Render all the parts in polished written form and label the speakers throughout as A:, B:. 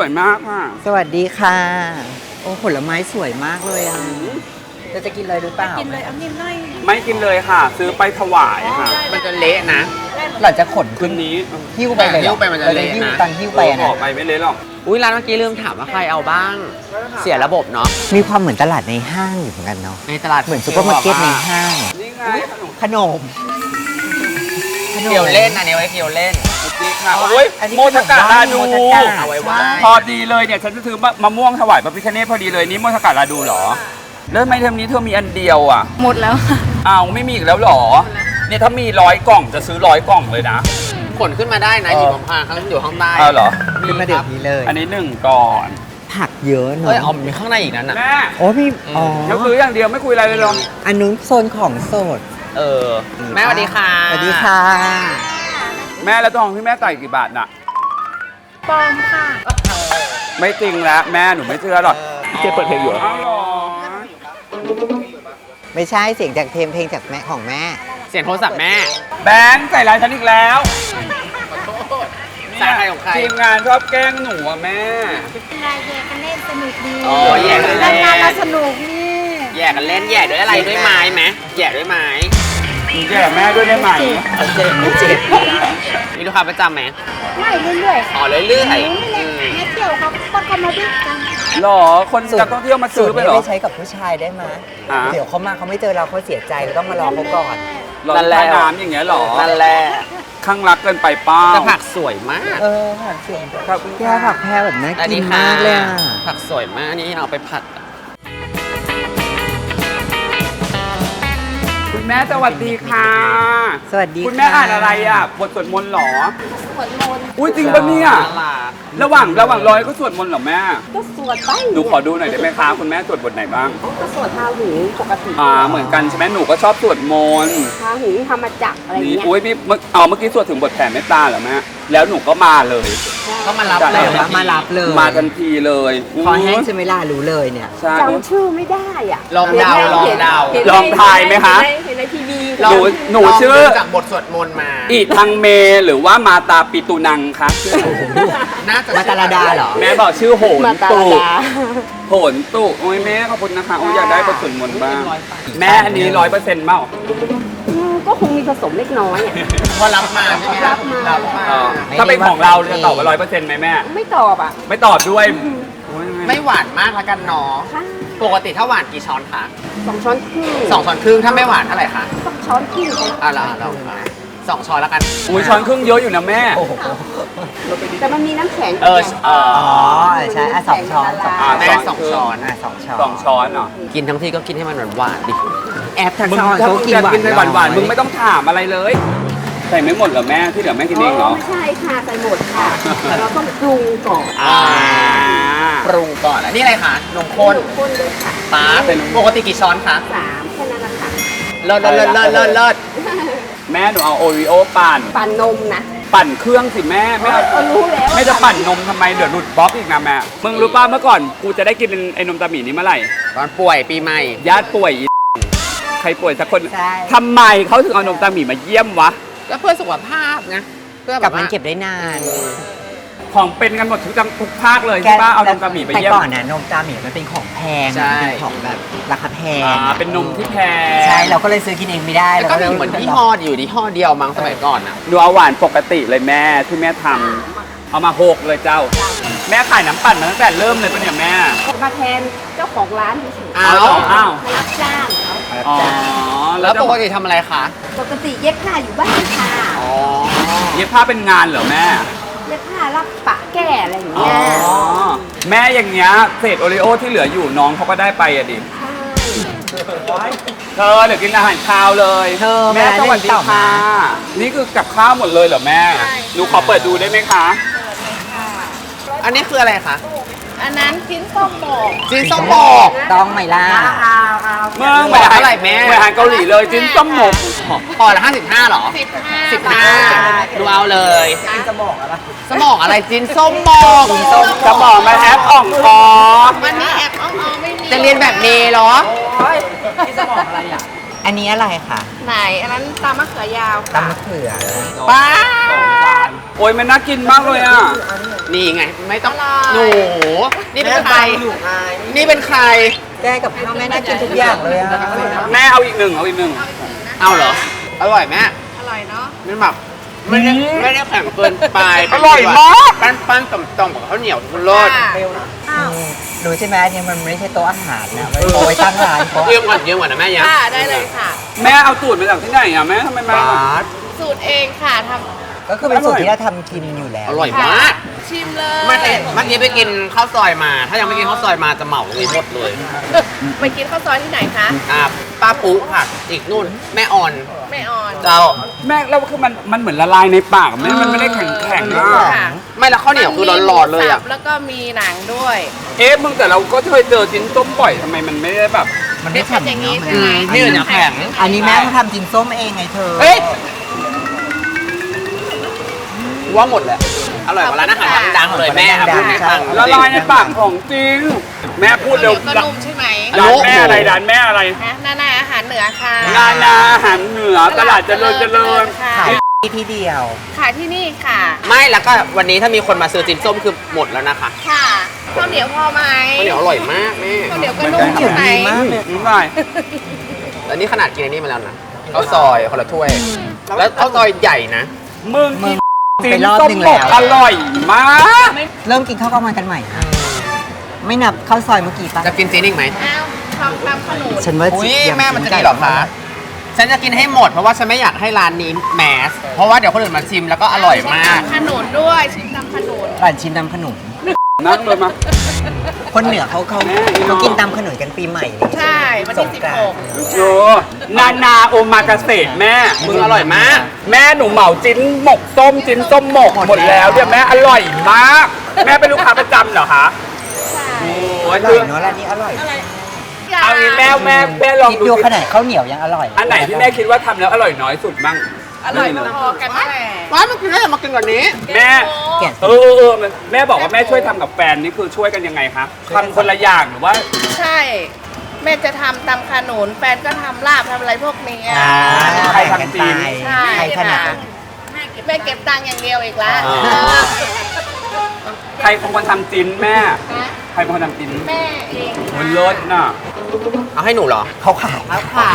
A: มากค่ะ
B: สวัสดีค่ะโอ้ผลไม้สวยมากเลยอ่ะจะกินเลยหรือเปล่า
C: กินเลยเอานิ่มหน่อย
A: ไม่กินเลยค่ะ ซื้อไปถวายค่ะ
D: มันจะเละนะ
B: เราจะขน
A: คืนนี้
B: หิ้วไปเลย
D: หิ้วไปมันจะเละนะ
B: ตังหิ้วไป
A: อ
B: นะ
A: อกไปไม่เละหรอก
D: อุ้ยร้านเมื่อกี้ลืมถามว่าใครเอาบ้าง เสียระบบเนาะ
B: มีความเหมือนตลาดในห้างอยู่เหมือนกันเนาะ
D: ในตลาด
B: เหมือนซุปเปอร์มาร์เก็ตในห้าง
A: นี่ไงขนม
B: ขนม
D: เกี่ยวเล่นอันนี้ไว้เกี่ยวเล่น
A: นี่ค่ะโอ้ย
B: อันนี้
A: โมทกะลาดู
B: โมทกะ
D: เอาไว้ว่า
A: พอดีเลยเนี่ยฉันจะซื้อมะม่วงถวายพระพิฆเนศพอดีเลยนี่โมทกะลาดูเหรอแล้วทำไมเทอมนี้เธอมีอันเดียวอ่ะ
C: หมดแล้วค่ะ
A: อ้าวไม่มีอีกแล้วเหรอเนี่ยถ้ามี100 กล่องจะซื้อ100 กล่องเลยนะ
D: ขนขึ้นมาได้นะหยิบมาข้างอยู่ข้างใต้
A: อ้าวเหรอ
B: ขึ้นมาเดี๋ยวนี้เลย
A: อันนี้1ก่อน
B: ผักเยอะเน
D: เอ้ย
B: อะ
D: เอามีข้างในอีกนั้นอ่ะ
A: แม่
B: โอ้มีอ๋อ
A: เดี๋ยวซื้ออย่างเดียวไม่คุยอะไรเลยหรอ
B: อันนู้นโซนของสด
D: เออ แม่สวัสดีค่ะ
B: สวัสดีค่ะ
A: แม่แล้วทองที่แม่ใส่กี่บาทน่ะ
C: ปลอมค่ะ
A: ไม่จริงแล้วแม่หนูไม่เชื่อหรอกเจ๊เปิดเพลงอยู่อ้าวเหรอ
B: ไม่ใช่เสียงจากเพลงจากแม่ของแม่
D: เสียงโทรศัพท์แม่
A: แบงค์ใส่ร้ายฉันอีกแล้ว
D: สายใครของใคร
A: ทีมงานชอบแกล้งหนูอะแม่
C: นายแย่กันเล่นสนุกดี
D: อ๋อแย่กันเล่น
C: งานเราสนุกนี่
D: แย่กันเล่นแย่ด้วยอะไรด้วยไม้ไหมแย่ด้วยไม้
A: หนูแย่แม่ด้วยได้ไหม
B: เจ็บไม่เจ็บ
D: มีลูกค้าประจำไหม
C: ไม่เรื่อยๆ
D: อ๋อเรื่อยๆ
C: นี่แหละนักเที่ยวครับก็เข้ามาด้วยกัน
A: หรอคนนักท่องเที่ยวมา
B: สู
A: ซื้
B: ต
A: อ
B: ร
A: ไป
B: นี้
A: เหรอ
B: ไม่ใช้กับผู้ชายได้ไหม
A: อ่า
B: เดี๋ยวเขามาเขาไม่เจอเราเขาเสียใจเราต้องมารอเขาก่อน
A: รอใต้น้ำอย่างเงี้ยเหรอ
D: นั่นแหละ
A: ข้างรักเกินไปเป้า
D: แต่ผักสวยมาก
B: เออผักเสียง
A: ขอบคุณ
B: แค่
A: ค่ะ
B: ผักแพรแบบน่า
D: อัน
B: กิ
D: นี้
B: น
D: ค่ะ
B: มากเลยอ่ะ
D: ผักสวยมากอันนี้เอาไปผัด
A: คุณแม่สวัสดีค่ะ
B: สวัสดี
A: คุณแม่อ่านอะไรอ่ะบทสวดมนต์เหรอ
C: สวดมนต์
A: อุ้ยจริงปะเนี่ย ระหว่างรอยก็สวดมนต์เหรอแม่
C: ก็สวดไป
A: หนูขอดูหน่อยได้ไหมคะคุณแม่สวดบทไหนบ้าง
C: ก็สวดพาหูปกติ
A: เหมือนกันใช่ไหมหนูก็ชอบสวดมนต์
C: พาหูธรรมจักรอะไร
A: นี่
C: เงี้ย
A: อุ้ยพี่เมื่อกี้สวดถึงบทแผ่เมตตาเหรอแม่แล้วหนูก็มาเลย
D: ก็มารับ
A: ได้
D: เลย
B: มารับเลย
A: มาทันทีเลย
B: คอแห้งใช่ไหมล่ะรู้เลยเนี่ย
A: ใช่
C: จำชื่อไม่ได้อ่ะ
D: ลองเดาลองเดา
C: เห็น
A: ลองทายไหมคะ
C: เห็นในทีวี
A: หนูชื่อ
D: ลงดูจากบทสวดมนต์มา
A: อิทังเมหรือว่ามาตาปิตุนังคะ
D: น่าจะ
B: มาตาลาดาเหรอ
A: แม่บอกชื่อโหน
C: มาตา
A: ตุ
C: ลาดา
A: โหนตุโอ้ยแม่ขอบคุณนะคะโอ้ยอยากได้บทสวดมนต์บ้างแม่อันนี้100%เปล่า
C: ก็คงมีผสมเล็กน้อยอ่ะ
D: พอรับมาใช่ไหม
C: รับมา
D: รับมา
A: ถ้าเป็นของเราจะตอบว่า100%ไหมแม่
C: ไม่ตอบอ่ะ
A: ไม่ตอบด้วยโอ้ย
D: ไม่หวานมากละกันเนาะ
C: ค่ะ
D: ปกติถ้าหวานกี่ช้อนคะ
C: 2 ช้อนครึ่ง
D: 2 ช้อนครึ่งถ้าไม่หวานเท่าไหร่คะ
C: สักช้อนครึ่งไป
D: อ่ะเรา2 ช้อนแล้วกัน
A: อุ้ยช้อนครึ่งเยอะอยู่นะแม่
B: โอ้โห
C: แต่มันมีน้ำแข็ง
B: อ๋อใช่อ่ะ2 ช้อน
D: แม่2 ช้อน
B: อ่ะ2 ช้อน
A: 2 ช้อนเหรอ
D: กินทั้งที่ก็กินให้มันหวานๆดิ
B: แอปทัก
A: มึง
B: ษะ
A: ถ้า
B: เขา
A: มึง
B: กิน
A: อยาก
B: หวาน
A: กินในหวานๆมึงไม่ต้องถามอะไรเลย ใส่ไม่หมดเหรอแม่ที่เหลือแม่กินเองเหรอ
C: ไม่ใช่ค่ะใส่หมดค่ะ เราต้องปรุงก่อน
D: ปรุงก่อนอันนี้อะไรคะนมข้น
C: คนเลยค่ะ
D: ปลาปกติกี่ช้อนคะ
C: 3แค่นั้นแหละค่ะ
D: เลิศเลิศ
A: แม่หนูเอาโอริโอปั่น
C: ปั่นนมนะ
A: ปั่นเครื่องสิแม่ไม่เอา
C: ก็รู้แล้ว
A: ไม่จะปั่นนมทำไมเดี๋ยวหลุดบล็อกอีกนะแม่มึงรู้ป่ะเมื่อก่อนกูจะได้กินไอ้นมตาหมีนี้เมื่อไหร่
D: ตอนป่วยปีใหม่
A: ญาติป่วยอีใครป่วยสักคน
B: ใช่
A: ทำไมเขาถึงเอานมตาหมีมาเยี่ยมวะ
D: ก็เพื่อสุขภาพนะเพื่อแบ
B: กับบ
D: ว่า
B: มันเก็บได้นาน
A: ของเป็นกันหมดทุกภาคเลยใช่ป่ะเอานมตาหมีไปเยี่ยม
B: แต่ก่อนน่ะนมตาหมีมันเป็นของแพง
D: ใช่
B: มันเป็นของแบบราคาแพง
A: เป็นนมที่แพง
B: ใช่เราก็เลยซื้อกินเองไม่ได้
D: แล้วก็มีเหมือนยี่ห้ออยู่ยี่ห้อเดียวมั้งสมัยก่อนอ่ะ
A: หนูเอาหวานปกติเลยแม่ที่แม่ทำเอามาโหกเลยเจ้า แม่ขายน้ำปั่นมาตั้งแต่เริ่มเลยปะเนี่ยแม่
C: มาแทนเจ้าของร้านเฉย
D: อ้าว
A: อ้าว
C: ๆรับจ้างเขา
A: อ๋อ
D: แล้วปกติทำอะไรคะ
C: ปกติเย็บผ้าอยู่บ้านค่ะ
D: อ๋อ
A: เย็บผ้าเป็นงานเหรอแม่
C: เย็บผ้ารับปะแก้อะไรอย่าง
A: อ๋อ
C: เงี้ย
A: แม่อย่างเงี้ยเศษโอริโอที่เหลืออยู่น้องเขาก็ได้ไปอะดิ
C: ใช่
A: เธอเดี๋ยวกินอาหารคาวเลย
B: เธอ
A: แม่สวัสดี
B: เล่นต่อ
A: ค่ะ
B: มา
A: นี่คือกับข้าวหมดเลยเหรอแม่หนูขอเปิดดูได้ไหมคะ
D: อันนี้คืออะไรคะ
C: อันนั้นชิ้นส้มโบก
D: จีนส้มบอก
B: ต้องไหมล่ะ
A: เมื่อ
D: บอกเท่าไหร่แม่
A: เหมือนอาหารเกาหลีเลยจิ้นส้มหมก
D: พอละ55หรอ 15ดูเอาเลย
B: จะบอกอะไร
D: สมองอะไรจีนส้มบอก
A: จะบอกมาแอปอ่องคอ
C: วันนี้แอบอ้อมๆไม่มี
D: จะเรียนแบบเมย์เหรอ
B: จะบอกอะไรอ่ะอันนี้อะไรคะ
C: ไหนอันนั้นตามมะเขือยาว
B: ตำมะเขือ
D: ป้า
A: โอ้ยมันน่ากินมากเลยอ่ะ
D: นี่ไงไม่ต้อง
C: อร่อย
D: หนูนี่เป็นใคร
C: หนูอาย
D: นี่เป็นใคร
B: แกกับข้าวแม่น่ากินทุกอย่างเลยอ่ะ
A: แม่เอาอีกหนึ่งเอาอีกหนึ่ง
D: เอาเหรออร่อยแม่
C: อร่อยเนาะ
D: มันแบบไม่ได้แข็งเกินไป
A: อร่อยมาก
D: ปั้นๆต่อมๆกับข้าวเหนียวทุรส
B: รู้ใช่ไหมอันนี้มันไม่ใช่โต๊ะอาหารนะมันโต๊ะไว้ตั้งร้านเพราะ
D: เยี่ยมก่อนนะแม่ยัง
C: ค่ะได้เลยค่ะ
A: แม่เอาสูตรมาจากที่ไหนอ่ะแม่ทำไมมา
C: สูตรเองค่ะท
B: ก็คือเป็นสูตรที่เราทำกินอยู่แล้ว
D: อร่อย
C: ำ
D: มาก
C: ชิมเลย
D: เมื่อกี้ไปกินข้าวซอยมา ถ้ายังไม่กินข้าวซอยมาจะเหมาเลยหมดเลย
C: ไปกินข้าวซอยที่ไหนคะ
D: ป้าปุ๊ค่ะ อีกนู่นแม่อ่อน
C: แม่อ่อน
D: เจ้า
A: แม่แล้วคือมันเหมือนละลายในปากแม่มันไม่ได้แข็งแข็งๆอ่ะ
C: ค่ะ
D: ไม่แล้วข้าวเหนียวคือร้อนๆเลยอ่ะ
C: มีหมูสับแล้วก็มีหนังด้วย
A: เอ๊ะมึงแต่เราก็เคยเจอจิ้นส้มบ่อยทำไมมันไม่ได้แบบ
B: มันไม่แข็ง
C: อย่างนี้
B: เนาะ
C: ใช่ไหม
D: นี่เนี่ยแข็ง
B: อันนี้แม่เขาทำจินส้มเองไงเธอ
D: เฮ้ยว่าหมดแหละอร่อยกว่าร้านอาหารดังๆเลยแม่ครับพูดให้ฟัง
A: ละลายในปากของจริง แม่พูด
C: เดี๋
A: เร็
C: ยว วก็นุ่มใช่ไหม
A: ร้านแม่อะไรร้านแม่อะไร
C: ฮะนานาอาหารเหนือค่ะ
A: นานาอาหารเหนือตลาดเจริญ
C: ค่ะ
B: ขายที่เดียว
C: ขายที่นี่ค่ะ
D: ไม่แล้วก็วันนี้ถ้ามีคนมาซื้อจิ้นส้มคือหมดแล้วนะคะ
C: ค่ะข้าวเหนียวพอไหม
D: ข้าวเหนียวอร่อยมากแม่
C: ข้าวเหนียวก็นุ่ม
B: ข้าวเหนียว
C: ใช่ไหม
B: ดีมากเลย
A: นี่ไง
D: แล้วนี่ขนาดกินอันนี้มาแล้วนะข้าวซอยคนละถ้วย แล้วข้าวซอยใหญ่นะ
A: มึงกิน
B: ไป
A: จิ้น
B: รอบ
A: ส้ม
B: หนึ่ง
A: หม
B: แล้
A: ก
B: ว
A: อร่อยมาก
B: เริ่มกินข้าวกลางวันกันใหม่ ไม่นับข้าวซอยเมื่อกี้ปะ
D: จะกินซีนิ่งไหม
C: อ้าวทำตามขนม
B: ฉันว่า
D: อุ้ย
B: ยัง
D: แม่มันจะดีเหรอคะฉันจะกินให้หมดเพราะว่าฉันไม่อยากให้ร้านนี้แมสเพราะว่าเดี๋ยวคนอื่นมาชิมแล้วก็อร่อยมาก
C: ขนุนด้วยชิมตำขนุน
B: ร้านชิมตำขนม
A: นั่งเลยมา
B: คนเหนือเขากินตำขนมกันปีใหม่นี่
C: ใช่วันที่
B: สงกรานต์
C: 16
A: โอ้นานาโอมากาเสะแม่
D: มึงอร่อยมาก
A: แม่หนูเหมาจิ้นหมกส้มจิ้นส้มหมกหมดแล้วเนี่ยแม่อร่อยมาก แม่เป็นลูกค้าประจำเหรอคะ
C: ใช่
A: โอ้
B: อย ร่
A: คื
B: อ
A: อย
B: เนาะร้านนี้อร่อย
A: เอางี้แม่ลอง
B: คิด
A: ดู
B: ดู
A: สิ
B: ขนาดข้าวเหนียวยังอร่อย
A: อันไหนที่แม่คิดว่าทำแล้วอร่อยน้อยสุดบ้าง
C: อร่อยพอๆกันแหละ
D: ว้ายมันกินได้มากินก่อนนี้
A: แม่
B: แกะ
A: แม่บอกว่าแม่ช่วยทำกับแฟนนี่คือช่วยกันยังไงคะทำคนละอย่างหรือว่า
C: ใช่ แม่จะทำตำขนุนแฟนก็ทำลาบทำอะไรพวกนี้
A: ใครทำจีน
C: ใช่
B: ใครถนัด
C: ค่ะแม่เก็บตังค์อย่างเดียวอีกแล้ว
A: ใครเป็นคนทำจิ้นแม่ ใครเป็นคนทำจิ้น
C: แม่เอง
A: มันเลิศน่ะ
D: เอาให้หนูเหรอ
B: เขาขาย
C: ขาย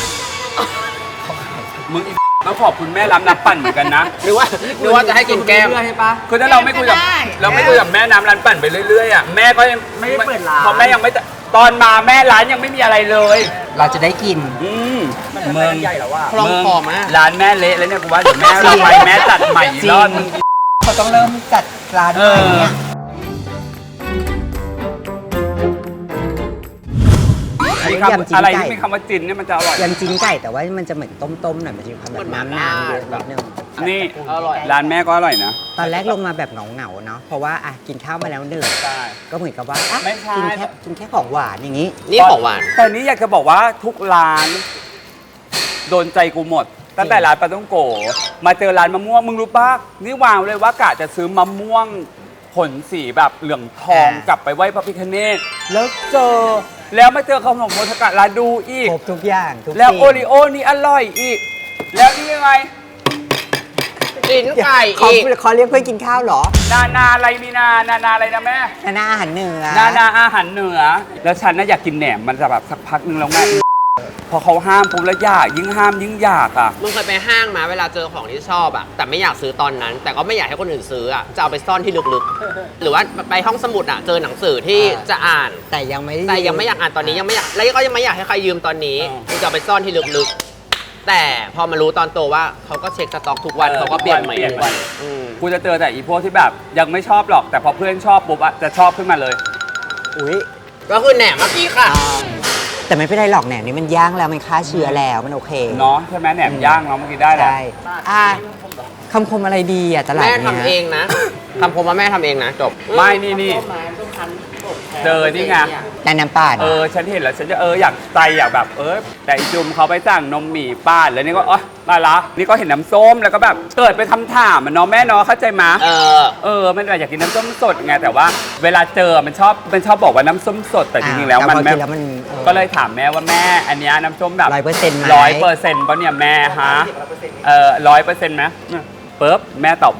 A: มึงอีต้องขอบคุณแม่รับน้ำปั่นเหมือนกันนะ
D: หรือว่าจะให้กินแก้ม
A: คือถ้าเราไม่คุยกับแม่น้ำร้านปั่นไปเรื่อยๆอ่ะแม่ก็ยังไม่ได้เปิดร้านเพราะแม่ยังไม่ตอนมาแม่ร้านยังไม่มีอะไรเลย
B: เราจะได้กิน
A: เมือง
D: คล่องคอมาก
A: ร้านแม่เละแล้วเนี่ยกูว่าเดี๋ยวแม่เราไปแม่จัดใหม่อีกรอบนึง
B: เขาต้องเริ่มจัดร้านใหม่เนี่ย
A: มีคำอะไรที่มีคำว่าจินเนี่ยมันจะอร่อย
B: ยำจิ้นไก่แต่ว่ามันจะเหมือนต้มๆหน่อยมันจะมีความแบบน้ำเยอะนิดนึง
A: นี่
D: อร่อย
A: ร้านแม่ก็อร่อยนะ
B: ตอนแรกลงมาแบบเหงาๆเนาะเพราะว่าอ่ะกินข้าวมาแล้วหนึ่ง
A: ใช่
B: ก็เหมือนกับว่าอ่ะ
A: ไม่ใช่
B: กินแค่ของหวานอย่างนี้
D: นี่ของหวาน
A: แต่นี้อยากจะบอกว่าทุกร้าน โดนใจกูหมด ตั้งแต่ร้านปลาต้องโกมาเจอร้านมะม่วงมึงรู้ปะนี่วางเลยว่ากะจะซื้อมะม่วงผลสีแบบเหลืองทองกลับไปไหว้พระพิฆเนศแล้วเจอแล้วมาเจอขนมโมทกะลาดูอีก
B: ครบทุกอย่างทุก
A: แล้ว
B: สิ่ง
A: โอริโอนี่อร่อยอีก แล้วนี่ยังไง
D: จิ้นไก่
B: เขา
D: อีก
B: เขาเรียกเพื่อนกินข้าวเหรอ
A: นาอะไรมีนาอะไรนะแม่
B: นาอาหารเหนือ
A: นาอาหารเหนือ แล้วฉันน่ะอยากกินแหนมมันจะแบบสักพักนึงแล้วแม่พอเขาห้ามปุ๊บแล้วอยากยิ่งห้ามยิ่งอยากอ่ะ
D: มึงเคยไปห้างมาเวลาเจอของที่ชอบอะแต่ไม่อยากซื้อตอนนั้น แต่ก็ไม่อยากให้คนอื่นซื้ออะจะเอาไปซ่อนที่ลึกๆ หรือว่าไปห้องสมุดอะเจอหนังสือที่จะอ่าน
B: แต่ยังไม่ได้
D: แต่ยังไม่อยากอ่านตอนนี้ยังไม่อยากแล้วก็ยังไม่อยากให้ใครยืมตอนนี้กูจะเอาไปซ่อนที่ลึกๆ แต่พอมารู้ตอนโตว่าเขาก็เช็คสต็อกทุกวันเขาก็เปลี่ยนใหม่ทุกวันอืม
A: กูจะเจอแต่อีพวกที่แบบยังไม่ชอบหรอก แต่พอเพื่อนชอบปุ๊บอะจะชอบขึ้นมาเลย
B: อุ้ย
D: ก็คือแหนมเมื่อกี้ค่ะ
B: แต่ไม่เป็นไรหรอกแหนมนี่มันย่างแล้วมันฆ่าเชื้อแล้วมันโอเค
A: เนาะใช่ไหมแหนมย่างเนาะเมื่อกี้ได้แล้ว
B: ใช่อ่ะคำคมอะไรดีอ่ะตลาด
D: แม่
B: เนี้ย
D: ทำเองนะคำคมว่าแม่ทำเองนะจบ
A: ไม่นี่เจอนี่ไง
B: แต่น้ำป่าน
A: ฉันเห็นแล้วฉันจะอยากใจอยากแบบแต่อีจุมเขาไปสั่งนมหมี่ป้านแล้วนี่ก็มาละนี่ก็เห็นน้ำส้มแล้วก็แบบเกิดไปทำถามมันเนาะแม่เนาะเข้าใจมา มันอยากกินน้ำส้มสดไงแต่ว่าเวลาเจอมันชอบบอกว่าน้ำส้มสดแต่จริงๆแล้วมัน
B: พอ
A: แม่
B: กิแล้วมัน
A: ก็เลยถามแม่ว่าแม่อันเนี้ยน้ำส้มแบบ
B: 100%ไหม
A: 100%ป่ะเนี่ยแม่ฮะ100%ไหมปุ๊บแม่ตอบว่า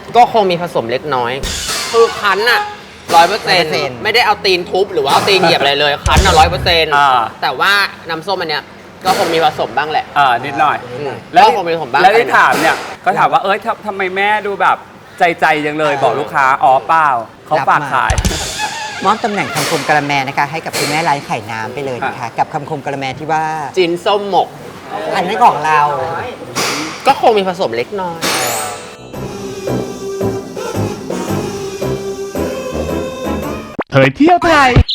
D: ก็คงมีผสมเล็กน้อย คือคั้นอะ100%ไม่ได้เอาตีนทุบหรือว่าเอาตีนเหยียบอะไรเลยคั้นอะ100%แต่ว่าน้ำส้มอันเนี้ยก็คงมีผสมบ้างแหละ
A: นิดหน่อย
D: ก็คงมีผสมบ้าง
A: แล้วที่ถามเนี่ยก็ถามว่าทำไมแม่ดูแบบใจยังเลยบอกลูกค้าอ๋อเปล่าเขาฝากขาย
B: มอบตำแหน่งคำคมกระแมนะคะ ให้กับคุณแม่ร้านไข่น้ำไปเลยนะคะ กับคำคมกระแมที่ว่า
D: จินส้มหมก
B: อันนี้ของเรา
D: ก็คงมีผสมเล็กน้อย
E: เผยเที่ยวไทย